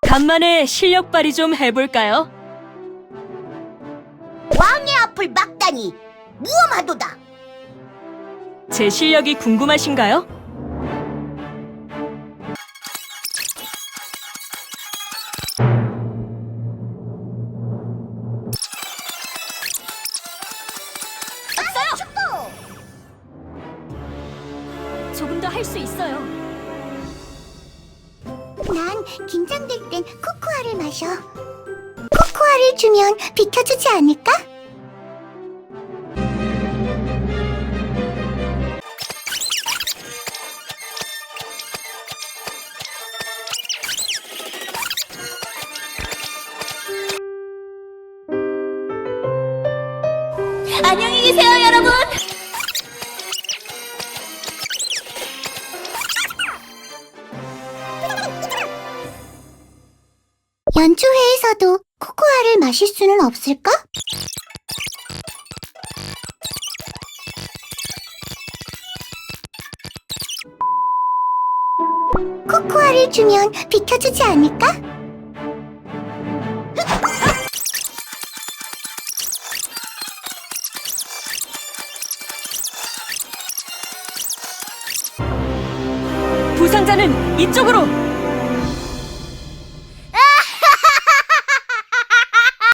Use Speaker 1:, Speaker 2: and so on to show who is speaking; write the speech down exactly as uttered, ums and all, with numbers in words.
Speaker 1: 간만에 실력 발휘 좀 해볼까요?
Speaker 2: 왕의 앞을 막다니 무엄하도다.
Speaker 1: 제 실력이 궁금하신가요?
Speaker 2: 축구!
Speaker 1: 조금 더 할 수 있어요.
Speaker 2: 난 긴장될 땐 코코아를 마셔. 코코아를 주면 비켜주지 않을까?
Speaker 1: 안녕히 계세요, 여러분!
Speaker 2: 연주회에서도 코코아를 마실 수는 없을까? 코코아를 주면 비켜주지 않을까?
Speaker 1: 부상자는 이쪽으로!